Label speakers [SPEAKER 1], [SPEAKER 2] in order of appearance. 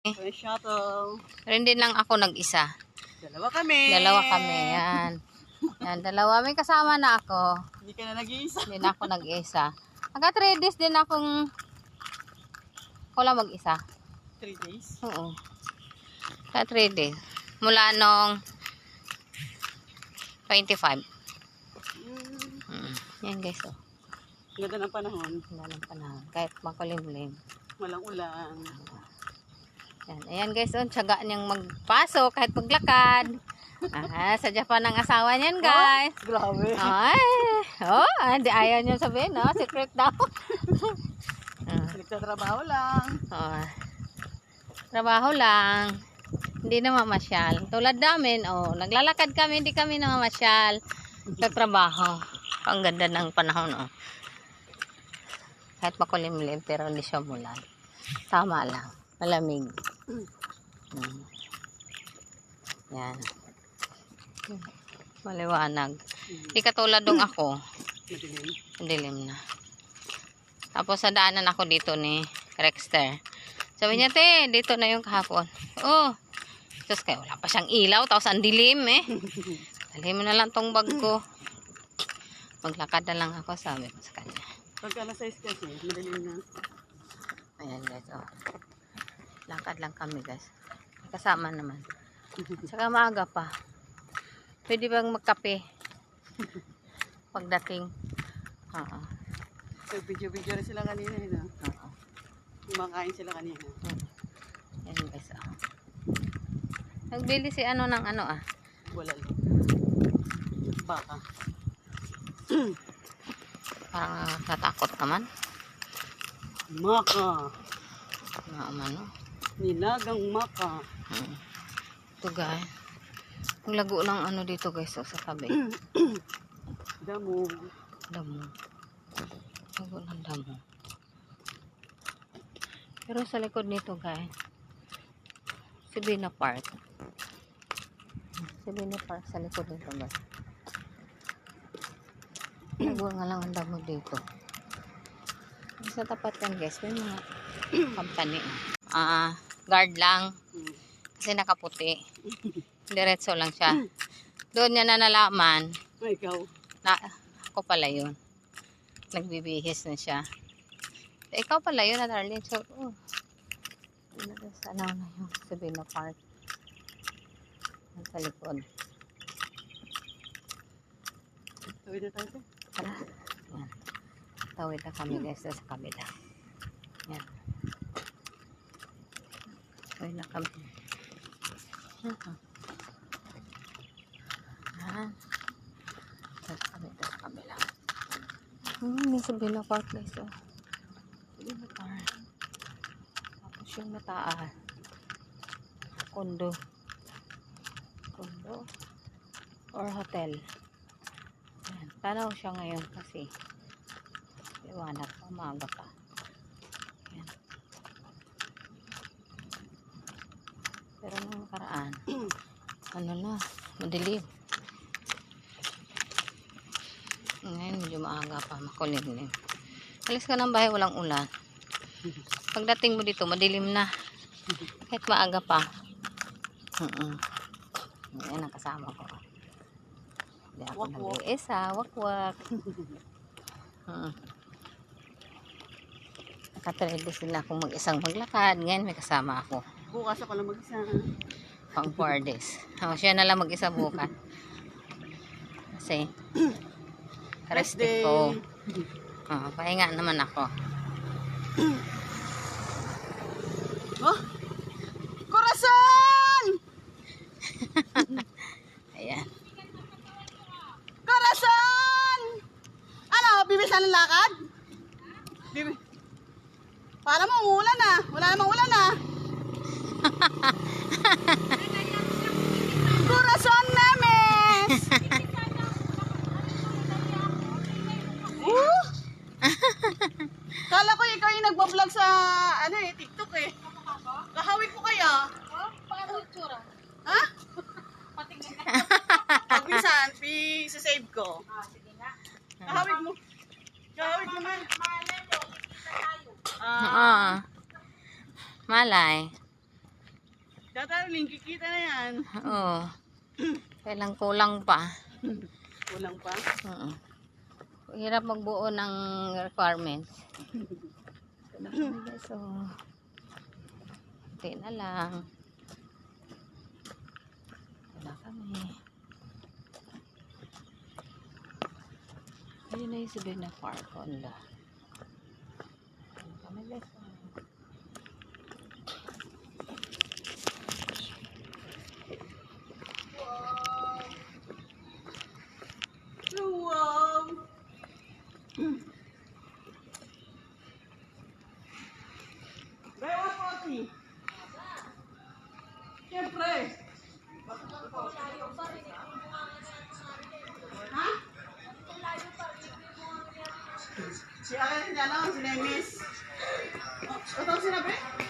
[SPEAKER 1] May shuttle.
[SPEAKER 2] Rin din lang ako nag-isa.
[SPEAKER 1] Dalawa kami.
[SPEAKER 2] Yan. Yan, dalawa. May kasama na ako.
[SPEAKER 1] Hindi ka na nag-iisa.
[SPEAKER 2] Hindi na ako nag-isa. Hanggang 3 days din akong ako lang mag-isa.
[SPEAKER 1] 3 days?
[SPEAKER 2] Oo. Hanggang 3 days. Mula nung 25. Yan guys, oh.
[SPEAKER 1] Ganda ng panahon.
[SPEAKER 2] Ganda ng panahon. Kahit makulimlim.
[SPEAKER 1] Walang ulan.
[SPEAKER 2] Yan. Ayan guys, oh. Tiyaga niyang magpasok kahit maglakad. Sa Japan ang asawa niyan guys.
[SPEAKER 1] Oh, grabe.
[SPEAKER 2] Ay. Oh, hindi ayaw niyo sabihin, no? Secret daw.
[SPEAKER 1] Nagtatrabaho lang.
[SPEAKER 2] Oh. Trabaho lang. Hindi na mamasyal. Tulad namin, oh, naglalakad kami, hindi kami na mamasyal. Nagtatrabaho. Ang ganda ng panahon, oh. Kahit makulimlim, pero hindi siya mulan. Tama lang. Malamig. Yan. Maliwanag. Hindi katulad dong ako.
[SPEAKER 1] Madilim.
[SPEAKER 2] Dilim na. Tapos sa daanan ako dito ni Rexter. Sabi niya, te, dito na yung kahapon. Oh. Tapos kaya wala pa siyang ilaw. Tapos ang dilim eh. Dali mo na lang tong bag ko. Maglakad na lang ako, sabi ko sa kanya.
[SPEAKER 1] Pagka nasa kasi, madilim na.
[SPEAKER 2] Ayan guys, oh. Lakad lang kami guys. Kasama naman. Saka maaga pa. Pwede bang magkape? Pagdating. Oo.
[SPEAKER 1] Video-video rin sila kanina.
[SPEAKER 2] Oo.
[SPEAKER 1] Kumakain sila kanina.
[SPEAKER 2] Ayan guys, oh. Nagbili si ano ng ano ah.
[SPEAKER 1] Wala lang. Baka.
[SPEAKER 2] Parang natakot naman.
[SPEAKER 1] Maka.
[SPEAKER 2] Ano?
[SPEAKER 1] Nilagang maka.
[SPEAKER 2] Ito guys. Ang lago ng ano dito guys, oh, sa tabi.
[SPEAKER 1] Damo.
[SPEAKER 2] Damo. Lago ng damo. Pero sa likod nito guys, Sabina Park. Sabina Park sa likod nito guys. Lago nga lang ang damo dito. Sa tapat yan guys, may mga company. Guard lang. Kasi nakaputi. Diretso lang siya. Doon niya na nalaman.
[SPEAKER 1] Ay, ikaw.
[SPEAKER 2] Na, ako pala yun. Nagbibihis na siya. Ikaw pala yun, darling. So, oh. Sana na yung Sabina Park. Sa likod.
[SPEAKER 1] Tawid na tayo.
[SPEAKER 2] Tara. Yan. Tawid na kami guys sa kabila. Yan. Tawid na kami. Yan. Yan. Sa kabila. May Sabina Park guys. Oh. Sabina Park. Tapos yung mataas. Kondo. Kondo. Or hotel. Yan. Tanaw siya ngayon kasi liwanag pa, maaga pa. Yan. Pero nung nakaraan, ano na, madilim. Ngayon, medyo maaga pa, makulimlim. Alis ka ng bahay, walang ulan. Pagdating mo dito, madilim na. Kahit maaga pa. Yan ang kasama ko. Hindi ako nag-iisa, wakwak. Nakatredo sila kung mag-isang maglakad. Ngayon may kasama ako.
[SPEAKER 1] Bukas ako lang mag-isa.
[SPEAKER 2] Pang 4 days. Siya na lang mag-isa bukas. Kasi rest day ko. Pahinga naman ako.
[SPEAKER 1] Oh! Corazon!
[SPEAKER 2] Ayan.
[SPEAKER 1] Corazon! Ano? Bibilis na ng lakad? Para mo umulan na. Wala namang ulan na. Corazon Nemes! Kala ko ikaw yung nagbablog sa TikTok eh. Kahawig ko kaya.
[SPEAKER 3] Paano itsura?
[SPEAKER 1] Ha?
[SPEAKER 3] Patingin na.
[SPEAKER 1] Pag minsan, save ko.
[SPEAKER 3] Sige na.
[SPEAKER 1] Kahawig mo. Kahawig mo man.
[SPEAKER 3] Malay mo, ikita tayo.
[SPEAKER 2] Malay.
[SPEAKER 1] Dadaling, kikita na yan.
[SPEAKER 2] Oo. Kailang kulang pa.
[SPEAKER 1] Kulang pa.
[SPEAKER 2] Oo. Hirap magbuo ng requirements. Ito na kami guys. So, na lang. Ito na kami. Ayun na yung sabihin na park on the. Ito kami guys.
[SPEAKER 1] Wow! Bewa pati. Siyempre. Ha? Si Akin si ano, si Nemis. Ito sinabi?